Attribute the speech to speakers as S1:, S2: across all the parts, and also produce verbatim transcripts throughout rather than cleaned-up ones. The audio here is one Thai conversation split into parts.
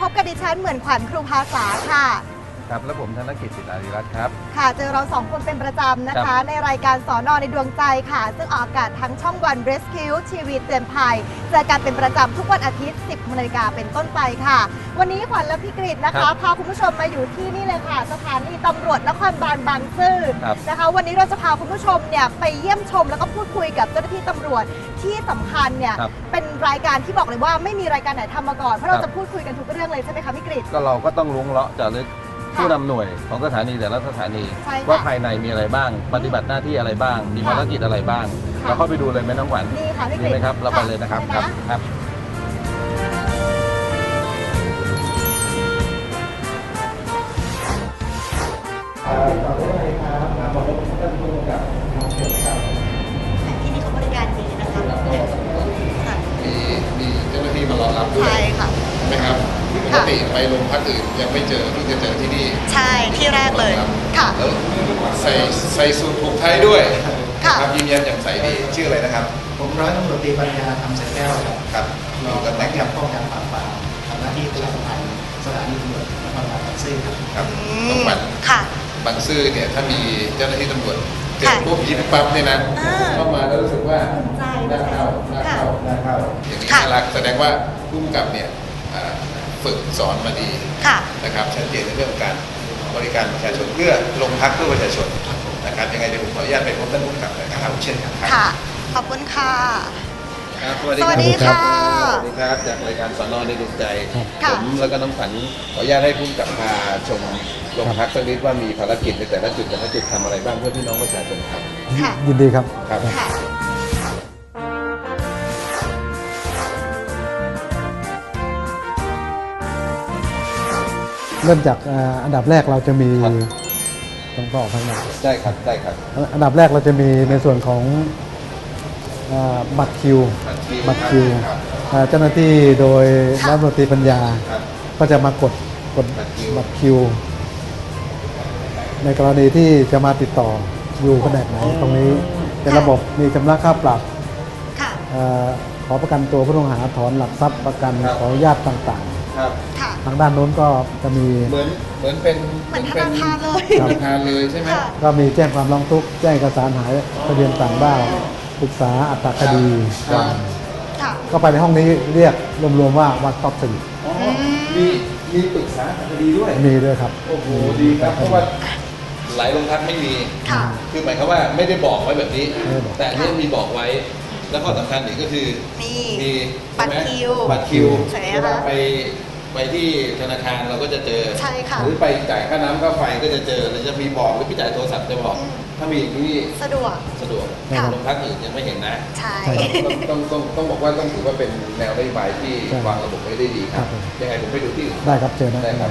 S1: บกับดิฉันเหมือนขวัญครูภาษาค่ะ
S2: ครับและผมธนกิจ จิตอารีรัตน์ครับ
S1: ค่ะเจอเราสองคนเป็นประจำนะคะในรายการสอนอในดวงใจค่ะซึ่งออกอากาศทั้งช่องวัน Rescue ทีวีเตือนภัยเจอกันเป็นประจำทุกวันอาทิตย์ สิบนาฬิกาเป็นต้นไปค่ะวันนี้ขวัญและพี่กฤษนะคะพาคุณผู้ชมมาอยู่ที่นี่เลยค่ะสถานีตำรวจนครบาลบางซื่อนะคะวันนี้เราจะพาคุณผู้ชมเนี่ยไปเยี่ยมชมแล้วก็พูดคุยกับเจ้าหน้าที่ตำรวจที่สำคัญเนี่ยเป็นรายการที่บอกเลยว่าไม่มีรายการไหนทำมาก่อนเพราะเราจะพูดคุยกันทุกเรื่องเลยใช่ไหมคะพี่กฤษ
S2: ก็เราก็ต้องล้วงเลาะเจาะลึกผู้นำหน่วยของสถานีแต่ละสถานีว่าภายในมีอะไรบ้างปฏิบัติหน้าที่อะไรบ้างมีภารกิจอะไรบ้างเราเข้าไปดูเลยไหมน้องขวัญ
S1: นี่ค่ะพี่กฤษ
S2: ดีไหมครับเราไปเลยนะครับครับครับ
S1: ที่นี่เขาบริการดีนะคะ
S3: มีมีเจ้าหน้าที่มารอรับด้วย
S1: ใช่ค่ะ
S3: ใช่ไหมครับปกติไปโรงพักอื่นยังไม่เจอที่จะเจอที่นี่
S1: ใช่ที่แรกเลยค่ะ
S3: แล้วใส่ใส่สูทผูกไทยด้วยครับยิ้มแย้มแจ่มใสดีชื่ออะไรนะครับ
S4: ผมร้อยตำรวจตรีปัญญาธรรมใสแก้วครับ
S3: ครับ
S4: มีตำแหน่งกับป้องกันปราบปรามทำหน้าที่ประชาสัมพันธ์สถานีตำรวจนครบาลบางซื่อครับ
S3: ครับต้องบัน
S1: ค่ะ
S3: บางซื่อเนี่ยถ้ามีเจ้าหน้าที่ตำรวจเจอพวกยิ้มปั๊บเนี่ยนะเข้ามาแล้วรู้สึกว่าน่าเข้าน่าเข้าน่าเข้าอย่างนี้น่ารักแสดงว่าผู้กำกับเนี่ยฝึกสอนมาดีนะครับชัดเจนในเรื่องการบริการประชาชนเพื่อลงพักเพื่อประชาชนนะครับยังไงเดี๋ยวผมขออนุญาตไปพบท่านผู้กำกับเลยนะครับเช่นกันครับ
S1: ค่ะขอบคุณค่ะ
S3: สวัสดีครับสวัสดีครับจากรายการสอนอในดวงใจผมแล้วก็น้องขวัญขออนุญาตให้ผู้กำกับพาชมโรงพักสักนิดว่ามีภารกิจในแต่ละจุดแต่ละจุดทำอะไรบ้างเพื่อพี่น้องประชาชนครับ
S4: ยินดีครับ
S3: ครับ
S4: เริ่มจากอันดับแรกเราจะมีต้องต่อข้างหน้า
S3: ใช่ครับใช่ครับ
S4: อันดับแรกเราจะมีในส่วนของบัตรคิวบัตรคิวเจ้าหน้าที่โดยรัฐมนตรีปัญญาก็จะมากดกดบัตรคิวในกรณีที่จะมาติดต่ออยู่แผนกไหนตรงนี้เป็นระบบมีชำระค่าปรับขอประกันตัวผู้ต้องหาถอนหลักทรัพย์ประกันขออนุญาตต่างๆทางด้านโน้นก็จะมี
S3: เหมือนเหมือนเป็น
S1: เหมือนธนาคารเลย
S3: ธนาคารเลยใช่ไหม
S4: ก็มีแจ้งความร้องทุกข์แจ้งเอกสารหายทะเบียนต่างด้าวปรึกษาอัตราคดีก็ไปในห้องนี้เรียกรวมๆว่าวันต็อปสี่
S3: มีมีปรึกษาอัตราคดีด้วย
S4: มีด้วยครับ
S3: โอ้โหดีครับเพราะว่าหลายโรงพักไม่มีคือหมายความว่าไม่ได้บอกไว้แบบนี้แต่อันนี้มีบอกไว้แล้วก็สำคัญอีกก็คือ
S1: มีบัตรคิว
S3: บัตรคิวเวลาไปไปที่ธนาคารเราก็จะเจอหรือไปจ่ายค่าน้ำค่าไฟก็จะเจอเราจะมีบอกหรือไปจ่ายโทรศัพท์จะบอกถ้ามีอย่างนี้
S1: สะดวก
S3: สะดวกโรงพักอื่นยังไม่เห็นนะ
S1: ใช่
S3: ต้องต้องต้องบอกว่าต้องถือว่าเป็นแนวนโยบายที่วางระบบไว้ได้ดีครับยังไงผมไปดูที่
S4: ได้ครับเจอ
S3: ได้ครับ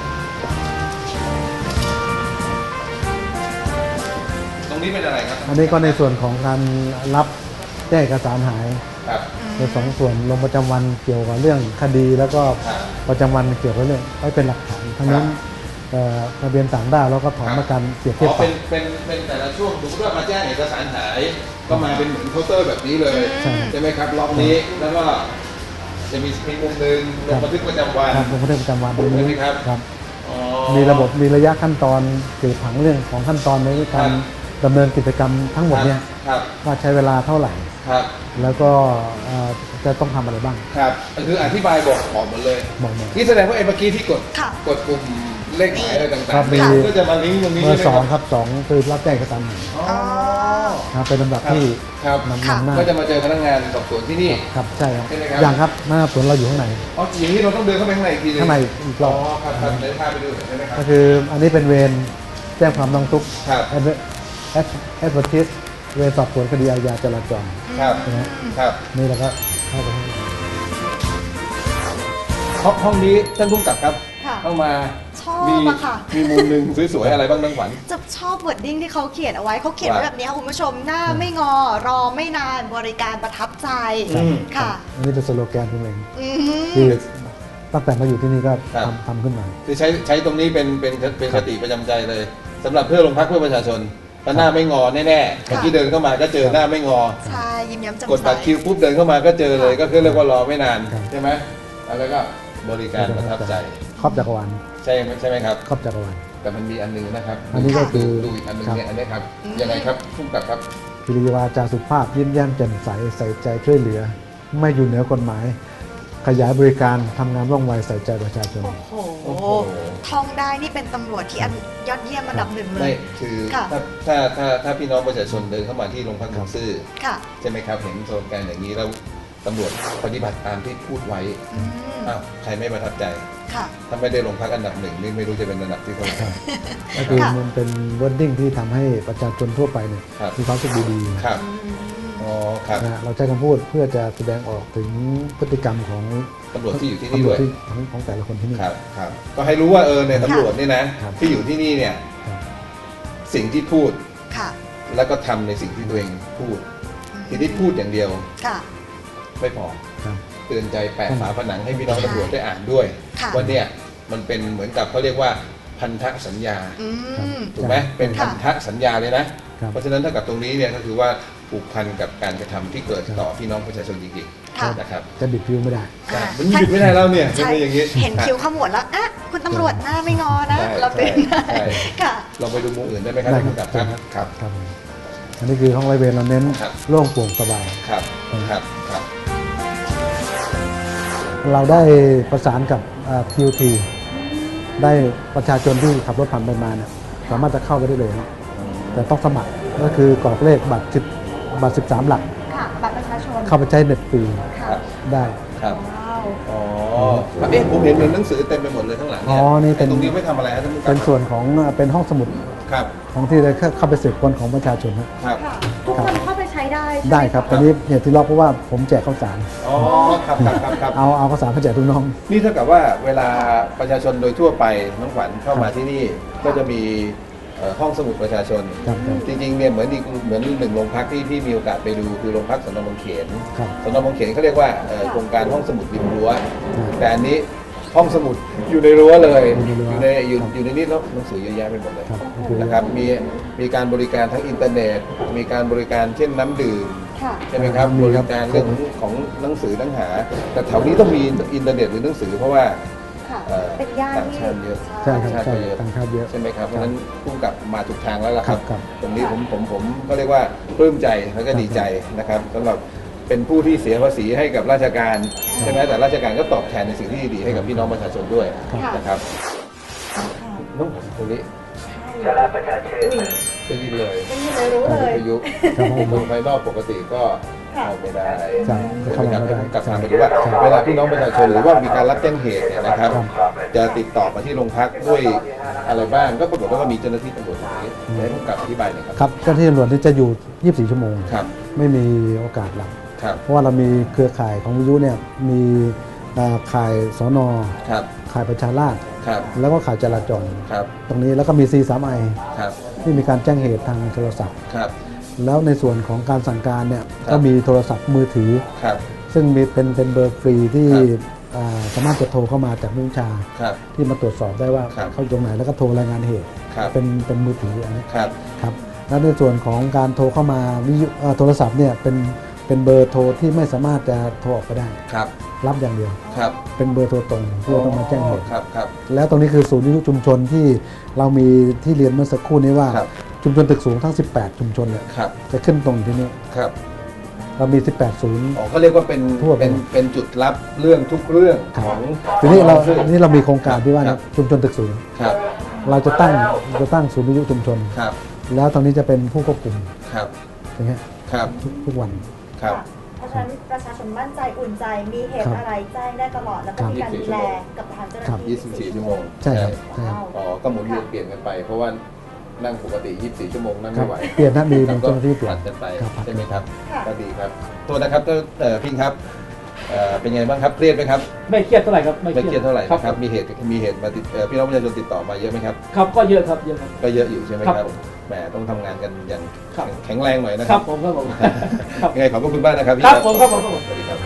S3: ตรงนี้เป็นอะไรครับ
S4: อันนี้ก็ในส่วนของการรับแจ้งเอกสารหายในสองส่วนลงประจำวันเกี่ยวกับเรื่องคดีแล้วก็ประจำวันเกี่ยวกับเรื่องไว้เป็นหลักฐานทั้งนั้นทะเบียนต่างด้าวแล้วก็ถอนประกันเปรียบเทียบปรับ
S3: เป็นเป็นเป็นแต่ละช่วงสมมติว่ามาแจ้งเอกสารหายก็มาเป็นเหมือนเคาน์เตอร์แบบนี้เลยใช่ไหมครับล็อกนี้แล้วก็จะมีมีมุมหนึ่งลงบันทึกประจำวัน
S4: ลงบันทึกประจำวัน
S3: ใช่ไหมครับ
S4: ครับมีระบบมีระยะขั้นตอนเกี่ยวกับเรื่องของขั้นตอนในการดำเนินกิจกรรมทั้งหมดเนี่ยว่าใช้เวลาเท่าไหร่แล้วก็จะต้องทำอะไรบ้าง
S3: ครับคืออธิบายบอกบอกหมดเลย
S4: บอกหมด
S3: นี่แสดงว่าไอ้เมื่อกี้ที่กดกดปุ่มเลขหมายอะไรต่างๆก็จะมาลิงก์ตรงนี้
S4: เบอร์สองครับสองคือรับแจ้งเอกสารหายเป็นลำดับที่
S3: นำหน้าก็จะมาเจอพนักงานสอบสวนที่นี่
S4: ครับใช่ครับอย่างครับหน้าสวนเราอยู่ข้างใน
S3: อ๋ออย่างนี้เราต้องเดินเข้าไปข้างในอีกทีนึง
S4: ข้างในอีกรอบ
S3: อ๋อครับครับเดินพาไปดูใช่ไหมครับ
S4: ก็คืออันนี้เป็นเวรแจ้งความร้องทุกข์แอดแอดเวอร์ทิสเวรสอบสวนคดีอาญาจราจร
S3: ครับครับ
S4: นี่เราก็เข้าไป
S3: ห้องนี้ท่านผู้กำกับครับเข้ามา
S1: ชอบอะค่ะ
S3: มีมุมหนึ่งสวยๆอะไรบ้างน้องขวัญ
S1: จะชอบเวิร์ดดิ้งที่เขาเขียนเอาไว้เขาเขียนไว้แบบนี้คุณผู้ชมหน้าไม่งอรอไม่นานบริการประทับใจค่ะ
S4: อันนี้เป็นสโลแกนผมเองที่ตั้งแต่มาอยู่ที่นี่ก็ทำทำขึ้นมา
S3: คือใช้ใช้ตรงนี้เป็นเป็นเป็นคติประจำใจเลยสำหรับเพื่อลงพักเพื่อประชาชนหน้าไม่งอแน่ๆเมื่อกี้เดินเข้ามาก็เจอหน้าไม่งอ
S1: ใช่ยิ้มแย้มแจ่มใส
S3: กดบัตรคิวปุ๊บเดินเข้ามาก็เจอเลยก็คือเรียกว่ารอไม่นานใช่ไหมแล้วก็
S2: บริการประทับใจ
S4: ครอบจักรวาล
S2: ใช่ไหมใช่ไหมครับ
S4: ครอบจักรวาล
S3: แต่มันมีอันหนึงนะครับ
S4: อันนี้ก็คือ
S3: ดูอีกอันหนึง
S4: ครับ
S3: เนี่ยอันนี้ครับยังไงครับผู้กำกับครับ
S4: กิริยาจาสุภาพยิ้มแย้มแจ่มใสใส่ใจช่วยเหลือ ไม่อยู่เหนือกฎหมาย ขยายบริการทำงานว่องไวใส่ใจประชาชน
S1: โอ้โห
S3: โอ้โห
S1: ท่องได้นี่เป็นตำรวจที่อันยอดเยี่ยมอันดับหนึ่งเล
S2: ไม่
S1: ย
S2: คือ
S1: ค่ะ
S2: ถ้าถ้าถ้าถ้าพี่น้องประชาชนเดินเข้ามาที่โรงพักบางซื่อ
S1: ค่ะ
S2: ใช่ไหมครับเห็นโซนการอย่างนี้แล้วตำรวจปฏิบัติตามที่พูดไว้
S1: อืม
S2: อ้าวใครไม่ประทับใจ
S1: ค่ะ
S2: ถ้าไม่ได้ลงพักอันดับหนึ่งนี่ไม่รู้จะเป็นอันดับที่เท่าไหร่
S4: ก็คือ
S1: ค่ะ
S4: มันเป็นวอร์ดดิ้งที่ทำให้ประชาชนทั่วไปเนี่ย
S2: ครับ
S4: มีความรู้สึกดีๆ
S2: ครับ
S1: อืม
S2: อ๋อครับ
S4: นะฮะเราใช้คำพูดเพื่อจะแสดงออกถึงพฤติกรรมของ
S2: ตำรวจที่อยู่ที่นี่
S4: ตำร
S2: ด้
S4: ว
S2: ว
S4: จ
S2: ย
S4: ที่ของของแต่ละคนที่นี่
S2: ครับครับก็ให้รู้ว่าเออในตำรวจเนี่ยนะครับ ที่อยู่ที่นี่เนี่ย
S4: ครับ
S2: สิ่งที่พูด
S1: ค่ะ
S2: แล้วก็ทำในสิ่งที่ตัวเองพูด ทีนี้พูดอย่างเดียว
S1: ค่ะ
S2: ไม่พอ
S4: ครับ
S2: เตือนใจแปะฝาผนังให้พี่น้องตำรวจได้อ่านด้วย
S1: ค่ะ
S2: ว่าเนี่ยมันเป็นเหมือนกับเขาเรียกว่าพันธสัญญา
S1: อืม
S2: ถูกไหมเป็น
S1: ค่ะ
S2: พันธสัญญาเลยนะ
S4: ครับ
S2: เพราะฉะนั้นถ้ากับตรงนี้เนี่ยก็คือว่าผูกพันกับการกระทำที่เกิดต่อพี่น้องประชาชนจริง
S1: ค่ะ
S2: ๆนะครับ
S4: จะบิดพิ้วไม่ได้
S1: อ่า
S2: มันหยุดไม่ได้แล้วเนี่ย
S1: ใช่
S2: เป็นอย่างนี้
S1: เห็นคิ้วขมวดแล้วอ่ะคุณตำรวจหน้าไม่งอนะ
S2: ใช่
S1: เราเตือนได้
S2: ใช่
S1: ค่ะ
S2: ลองไปดูมุมอื่นได้ไหมครับ
S4: ได้
S2: ท่าน
S4: ครั
S2: ผู้
S4: บ
S2: กำกับครับครับ
S4: ครับผมอันนี้คือห้องไรเวรเราเน้น
S2: ครับ
S4: โล่งโปร่งสบาย
S2: ครับครับครับ
S4: เราได้ประสานกับที โอ ที ได้ประชาชนที่ขับรถผ่านไปมาเนี่ยสามารถจะเข้าไปได้เลยนะแต่ต้องสมัครก็คือกรอกเลขบัตรสิบบัตรสิบสามหลัก
S1: ค่ะ บัตรประชาชน
S4: เข้าไปใช้เน็ตฟรี
S1: ค่ะ
S4: ได้
S2: ครับ
S1: ว้าว
S2: อ๋อเอ๊ะผมเห็นเหมือนหนังสือเต็มไปหมดเลยข้างหลัง
S4: อ๋อนี่เป็น
S2: ไตรงนี้ไม่ทำอะไรครับท่านผู้กำกับ
S4: เป็นส่วนของเป็นห้องสมุด
S2: ครับ
S4: ของที่ได้เข้าไปสืบค้นของประชาชนครับ
S2: ครับ
S1: ค่ะ ทุกคนเข้าไปใช้ได้ใช่หม
S4: ได้ครับตอนนี้เหตุที่ล็อกเพราะว่าผมแจกข้าวสาร
S2: อ๋อครับครับครับครับ
S4: เอาเอาข้าวสารมาแจกทุกน้อง
S2: นี่เท่ากับว่าเวลาประชาชนโดยทั่วไปน้องขวัญเข้ามาที่นี่ก็จะมีเอ่อห้องสมุดประชาชน
S4: ครับครับ
S2: จริงๆเนี่ยเหมือนอีกเหมือนหนึ่งโรงพักที่พี่มีโอกาสไปดูคือโรงพักสนบางเขน
S4: ครับ
S2: สนบางเขนเขาเรียกว่าเอ่อโครงการห้องสมุดริมรั้ว
S4: อืม
S2: แต่อันนี้ห้องสมุดอยู่ในรั้วเลย
S4: อยู่ในรั้ว
S2: อยู่ในอยู่
S4: ครับ
S2: อยู่ในนี้แล้วหนังสือเยอะแยะไปหมดเลย
S4: ครับก็คือ
S2: นะครับมีมีการบริการทั้งอินเทอร์เน็ต มีการบริการเช่นน้ำดื่ม
S1: ค่ะ
S2: ใช่ไหมครับ
S4: มี
S2: บ
S4: ครั
S2: ริ
S4: บ
S2: การเรื่องของหนังสือหนังหา แต่แถวนี้ต้องมีอินเทอร์เน็ตหรือหนังสือเพราะว่า
S1: ค่ะ
S2: เอ่อ
S1: เป็นย่าน
S2: ต่าง
S1: ที่
S2: ชาติเยอะ
S4: ใช่ครับ
S2: ชาติ
S4: ใช่
S2: ก็เยอะ
S4: ต่างชาติเยอะ
S2: ใช่ไหมครับเพราะฉะนั้นพุ่งกลับมาถูกทางแล้วล่ะครับ
S4: ครับ
S2: ตรงนี้ผมผมผมก็เรียกว่าปลื้มใจแล้วก็ดีใจนะครับสำหรับเป็นผู้ที่เสียภาษีให้กับราชการใช่ไหมแต่ราชการก็ตอบแทนในสิ่งที่ดีๆให้กับพี่น้องประชาชนด้วย
S1: ค่ะ
S2: นะครับน้องตรงนี้
S1: ใช่ประชาชน
S2: ได้ยินเลย
S1: เป็นยังไงรู้เลย
S2: วิทยุ
S4: ครับผม
S2: ดูภายนอกปกติก็
S1: ค่ะ
S2: เข้าไม่ได้
S4: ครับ
S2: ใช่ไหมครับ
S4: เข้าไม่ได้
S2: ให้ผมกลับมาไปดูว่า
S4: ครับ
S2: เวลาพี่น้องประชาชนหรือว่ามีการรับแจ้งเหตุเนี่ยนะครับ
S4: ครับ
S2: จะติดต่อมาที่โรงพักด้วยอะไรบ้างก็ปรากฏว่ามีเจ้าหน้าที่ตำรวจอย่างนี้ให้ผมกลับอธิบายหน่อยครับ
S4: ครับเจ้าหน้าที่ตำรวจนี่จะอยู่ ยี่สิบสี่ ชั่วโมง
S2: ครับ
S4: ไม่มีโอกาสหลับ
S2: ครับ
S4: เพราะว่าเรามีเครือข่ายของวิทยุเนี่ยมีอ่าข่ายสน
S2: ครับ
S4: ข่ายประชาราษฎร์
S2: ครับ
S4: แล้วก็ข่ายจราจร
S2: ครับ
S4: ตรงนี้แล้วก็มี ซี ทรี ไอ
S2: ครับ
S4: ที่มีการแจ้งเหตุทางโทรศัพท์
S2: ครับ
S4: แล้วในส่วนของการสั่งการเนี่ย
S2: ครับ
S4: ก็มีโทรศัพท์มือถือ
S2: ครับ
S4: ซึ่งมีเป็นเป็นเบอร์ฟรีที่
S2: ครับ
S4: อ่าสามารถจะโทรเข้ามาจากผู้บัญชา
S2: ครับ
S4: ที่มาตรวจสอบได้ว่า
S2: ครับ
S4: เขาอยู่ตรงไหนแล้วก็โทรรายงานเหตุ
S2: ครับ
S4: เป็นเป็นมือถืออันนี้
S2: ครับ
S4: ครับแล้วในส่วนของการโทรเข้ามาวิทยุเอ่อโทรศัพท์เนี่ยเป็นเป็นเบอร์โทรที่ไม่สามารถจะโทรออกไปได้
S2: ครับ
S4: รับอย่างเดียว
S2: ครับ
S4: เป็นเบอร์โทรตรงที่เราต้องมาแจ้งเหตุ
S2: ครับครับ
S4: แล้วตรงนี้คือศูนย์วิทยุชุมชนที่เรามีที่เรียนเมื่อสักครู่นี้ว่า
S2: ครับ
S4: ชุมชนตึกสูงทั้ง สิบแปด ชุมชนเนี่ย
S2: ครับ
S4: จะขึ้นตรงอยู่ที่นี่
S2: ครับ
S4: เรามี สิบแปด ศูนย์
S2: อ๋อเขาเรียกว่าเป็น
S4: ทั่วไป
S2: เป็นเป็นจุดรับเรื่องทุกเรื่อง
S4: ครับ
S2: ของ
S4: ทีนี้เรา
S2: ของ
S4: ทีนี้เรามีโครงการที่ว่า
S2: ครับ
S4: ชุมชนตึกสูง
S2: ครับ
S4: เราจะตั้งจะตั้งศูนย์วิทยุชุมชน
S2: ครับ
S4: แล้วตรงนี้จะเป็นผู้ควบคุม
S2: ครับ
S4: อย่างเงี้ย
S2: ครับ
S4: ทุกทุกวัน
S2: ครับ
S1: เพราะฉะนั้นประชาชนมั่นใจอุ่นใจ มีเหตุ
S4: ครับ
S1: อะไรแจ้งได้ตลอด แล้วก็มีการดูแลกับทางเจ้าหน้า
S4: ครับ
S1: ที่
S2: ยี่สิบสี่ ชั่วโมง
S4: ใช่ครับใช่ครับ
S2: อ๋อก็หมุนเวียนเปลี่ยนกันไป เพราะว่านั่งปกติ ยี่สิบสี่ ชั่วโมงนั่ง
S4: ครั
S2: ไม่
S4: บ
S2: ไหว
S4: เปลี่ยนนะมี
S2: แล้
S4: มี
S2: วก็
S4: เจ้าหน้าที่เปลี่ย
S2: ผั
S4: น
S2: ดกันไป
S4: ครับผัด
S2: ใช่ไหมครับ
S1: ค่ะ
S2: ก็ดีครับตัวนะครับเอ่อพิงครับเอ่อเป็นไงบ้างครับเครียดไหมครับ
S5: ไม่เครียดเท่าไหร่ครับ
S2: ไม่เครียดเท่าไหร่
S5: ครับ
S2: นะครับมีเหตุมีเหตุมาติดเอ่อพี่น้องประชาชนติดต่อมาเยอะไหมครับ
S5: ครับก็เยอะครับเยอะครับ
S2: ก็เยอะอยู่ใช่ไหมค
S5: ครั
S2: รับบ แหมต้องทำงานกันอย่าง
S5: ครับ
S2: แข็งแรงหน่อยนะ
S5: ค
S2: ค
S5: รั
S2: รั
S5: บบ ผมครับผมครับ
S2: ยังไงขอบพระคุณมากนะครับพี่
S5: ครับผมครับผมครับผม
S2: สวัสดีครับ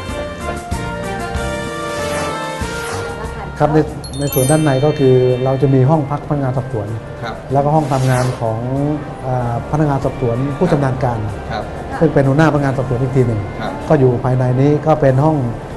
S4: ครับในในส่วนด้านในก็คือเราจะมีห้องพักพนักงานสอบสวน
S2: ครับ
S4: แล้วก็ห้องทำงานของอาพนักงานสอบสวนผู้ชำนาญการ
S2: ครับ
S4: ซึ่งเป็นหัวหน้าพนักงานสอบสวนอีกทีหนึ่ง
S2: ครับ
S4: ก็อยู่ภายในนี้ก็เป็นห้อง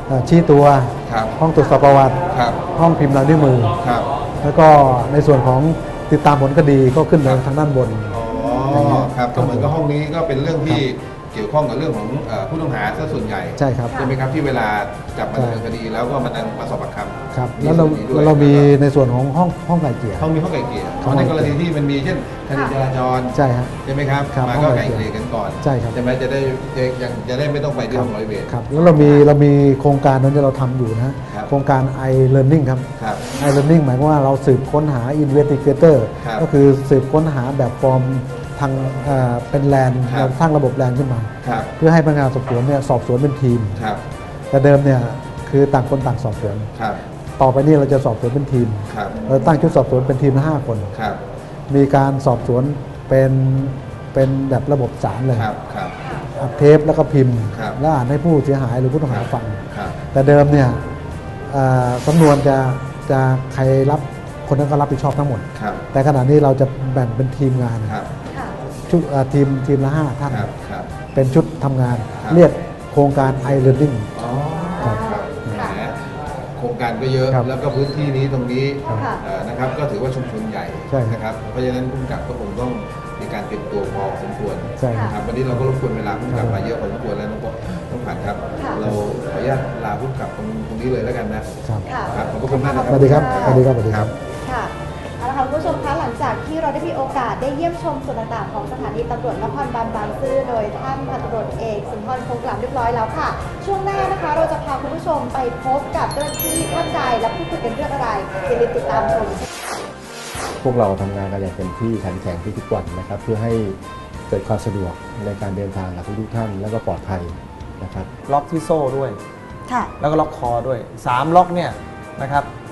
S4: เอ่อชี้ตัว
S3: ครับ
S4: ห้องตรวจสอบประวัติ
S3: ครับ
S4: ห้องพิมพ์ลายนิ้วมือ
S3: ครับ
S4: แล้วก็ในส่วนของติดตามผลคดีก็ขึ้นไปทางด้านบน
S3: อ๋อครับก็เหมือนกับห้องนี้ก็เป็นเรื่องที่เกี่ยวข้องกับเรื่องของเอ่อผู้ต้องหาซะส่วนใหญ่
S4: ใช่ครับ
S3: ใช่ไหมครับที่เวลาจับมาดำเนินคดีแล้วก็มามาสอบปากคำ
S4: ครับแล้วเรา
S3: ส่นนี้ด้วย
S4: เรามีในส่วนของห้องห้องไก่เกลี่ย
S3: ห้องมีห้องไก่เกลี่ย
S4: ห้อง
S3: ใน
S4: ไก่
S3: ก
S4: เกลี่ย
S3: รณีที่มันมีเช่นคดีจราจร
S4: ใช่ฮะ
S3: ใช่ไหมครับ
S4: ครับ
S3: มา
S4: ห้
S3: ก็
S4: องไก่
S3: ไก่
S4: เกลี่
S3: เก
S4: ย
S3: ลี่ยกันก่อน
S4: ใช่ครับ
S3: ใช่ไหมจะได้จะยังจะได้ไม่ต้องไปที่ห้องร้อยเวร
S4: ครับแล้วเรามีเรามีโครงการนั้นที่เราทำอยู่นะครับ โครงการ i learning ครับ
S3: ครับ
S4: i learning หมายความว่าเราสืบค้นหา investigator
S3: ครับ
S4: ก็คือสืบค้นหาแบบฟอร์มทางเอ่อเป็นแลน
S3: ครับ
S4: เราสร้างระบบแลนขึ้นมา
S3: ครับ
S4: เพื่อให้พนักงานสอบสวนเนี่ยสอบสวนเป็นทีม
S3: ครับ
S4: แต่เดิมเนี่ยคือต่างคนต่างสอบสวน
S3: ครับ
S4: ต่อไปนี้เราจะสอบสวนเป็นทีม
S3: ครับ
S4: เราตั้งชุดสอบสวนเป็นทีมละห้าคน
S3: ครับ
S4: มีการสอบสวนเป็นเป็นแบบระบบสารเลย
S3: ครับครับ
S4: อัดเทปแล้วก็พิมพ์
S3: ครับ
S4: แล้วอ่านให้ผู้เสียหายหรือผู้ต้องหาฟัง
S3: ครับ
S4: แต่เดิมเนี่ยเอ่อสำนวนจะจะใครรับคนนั้นก็รับผิดชอบทั้งหมด
S3: ครับ
S4: แต่ขณะนี้เราจะแบ่งเป็นทีมงาน
S3: ครับ
S1: ค่ะ
S4: ชุดเอ่อทีมทีมละห้าท่าน
S3: ครับครับ
S4: เป็นชุดทำงาน
S3: ครับ
S4: เรียกโครงการ i learning
S3: อ๋อ
S4: ครับ
S3: ครับแหมโครงการก็เยอะ
S4: ครับ
S3: แล้วก็พื้นที่นี้ตรงนี้
S1: ครับ
S3: เอ่อนะครับก็ถือว่าชุมชนใหญ่
S4: ใช่ครับ
S3: นะครับเพราะฉะนั้นผู้กำกับก็คงต้องมีการเตรียมตัวพอสมควร
S4: ใช่ครับ
S3: นะครับวันนี้เราก็รบกวนเวลาผู้กำกับมาเยอะพอสมควรแล้วน้องปอน้องผัดครับ
S1: ค่ะ
S3: เราขออนุญาตลาผู้กำกับตรงตรงนี้เลยแล้วกันนะครับ
S1: ค่ะ
S3: ครับขอบพระคุณมากนะค
S4: ส
S3: รับ
S4: วัสดีครับสวัสดีครับสวัสดีครับ
S1: ค่ะเอาละค่ะคุณผู้ชมคะหลังจากที่เราได้มีโอกาสได้เยี่ยมชมส่วนต่างๆของสถานีตำรวจนครบาลบางซื่อโดยท่านพันตำรวจเอกสุนทรคงกล่ำเรียบร้อยแล้วค่ะ ช่วงหน้านะคะเราจะพาคุณผู้ชมไปพบกับเจ้าหน้าที่ท่านใดและพูดคุยกันเรื่องอะไรอย่าลืมติดตามชม
S6: พวกเราทำงานกันอย่างเต็มที่ขันแข็งทุกๆวันนะครับเพื่อให้เกิดความสะดวกในการเดินทางกับทุกๆท่านแล้วก็ปลอดภัยนะครับ
S7: ล็อกที่โซ่ด้วย
S1: ค่ะ
S7: แล้วก็ล็อกคอด้วยสามล็อกเนี่ยนะครับ